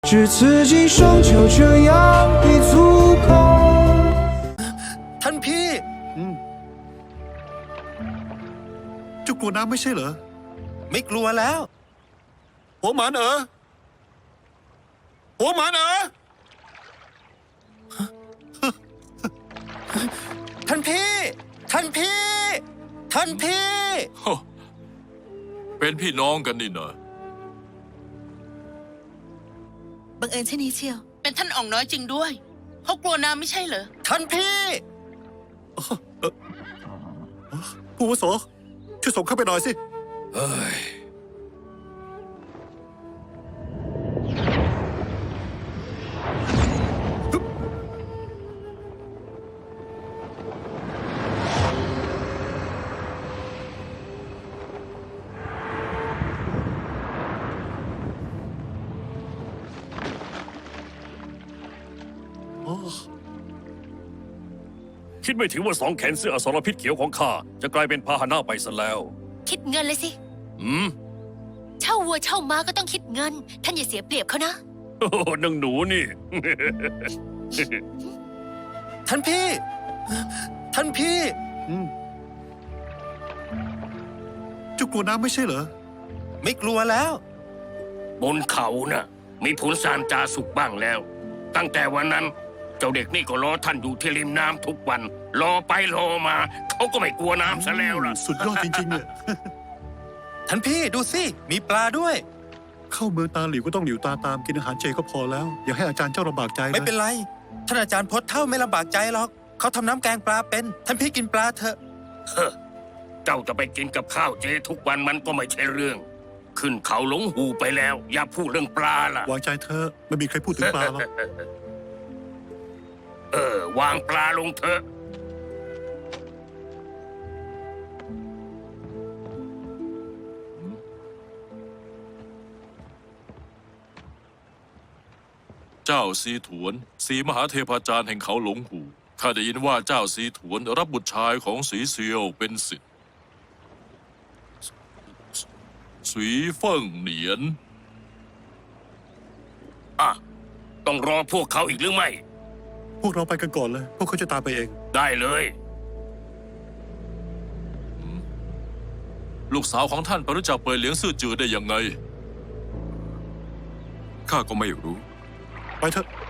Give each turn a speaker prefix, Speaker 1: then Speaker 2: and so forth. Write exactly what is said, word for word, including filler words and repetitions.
Speaker 1: 只刺激双球这样一足够。
Speaker 2: ท่านพี่
Speaker 3: อืมเจ้ากลัวน้ำไม่ใช่เหรอ
Speaker 2: ไม่กลัวแล้ว
Speaker 3: หัวหมานเอ๋อหัวหมานเอ๋อ
Speaker 2: ท่านพี่ ท่านพี่ ท่านพี่
Speaker 4: เป็นพี่น้องกันนี่นะ
Speaker 5: บังเอิญเช่นนี้เชียว
Speaker 6: เป็นท่านอ่องน้อยจริงด้วยเขากลัวน้ำไม่ใช่เหรอ
Speaker 2: ท่านพี่
Speaker 3: ผู้อาวุโสช่วยส่งเข้าไปหน่อยสิ
Speaker 2: เฮ้ย
Speaker 7: คิดไม่ถึงว่าสองแขนเสื้ออสรพิษเขียวของข้าจะกลายเป็นพาหนะไปซะแล้ว
Speaker 5: คิดเงินเลยสิ
Speaker 7: อืม
Speaker 5: เช่าวัวเช่าม้าก็ต้องคิดเงิน ท่านอย่าเสียเปรียบเขานะ
Speaker 7: โอ้โหนางหนูนี่
Speaker 2: ท่านพี่ ท่านพี่
Speaker 3: อืมเจ้ากลัวน้ำไม่ใช่เหรอ
Speaker 2: ไม่กลัวแล้ว
Speaker 8: บนเขาน่ะ มีผลสารจาสุกบ้างแล้ว ตั้งแต่วันนั้น เจ้าเด็กนี่ก็รอท่านอยู่ที่ริมน้ำทุกวัน รอไปรอมา เขาก็ไม่กลัวน้ำซะแล้วล่ะ
Speaker 3: สุดยอดจริงๆเนี่ย
Speaker 2: ท่านพี่ดูสิ มีปลาด้วย
Speaker 3: เข้าเมืองตาหลิวก็ต้องหลิวตาตามกินอาหารเจก็พอแล้ว อย่าให้อาจารย์เจ้าลำบากใจนะ
Speaker 2: ไม่เป็นไร ท่านอาจารย์พจน์เท่าไม่ลำบากใจหรอก เขาทำน้ำแกงปลาเป็น ท่านพี่กินปลาเถอะ
Speaker 8: เฮ้อเจ้าจะไปกินกับข้าวเจทุกวันมันก็ไม่ใช่เรื่อง ขึ้นเขาหลงหูไปแล้ว อย่าพูดเรื่องปลาล่ะ
Speaker 3: วางใจเธอะไม่มีใครพูดถึงปลาหรอก
Speaker 8: เออ วางปลาลงเถอะ
Speaker 4: เจ้าซีถวนสีมหาเทพาจารย์แห่งเขาหลงหูข้าได้ยินว่าเจ้าซีถวนรับบุตรชายของสีเซียวเป็นศิษย์สีเฟิ่งเหนียน
Speaker 8: อ่ะ ต้องรอพวกเขาอีกหรือไม่
Speaker 3: พวกเราไปกันก่อนเลย พวกเขาจะตามไปเอง
Speaker 8: ได้เลย
Speaker 4: ลูกสาวของท่านไปรู้จักเปิดเหลียงซื่อจือได้ยังไง
Speaker 9: ข้าก็ไม่รู้
Speaker 3: ไปเถอะ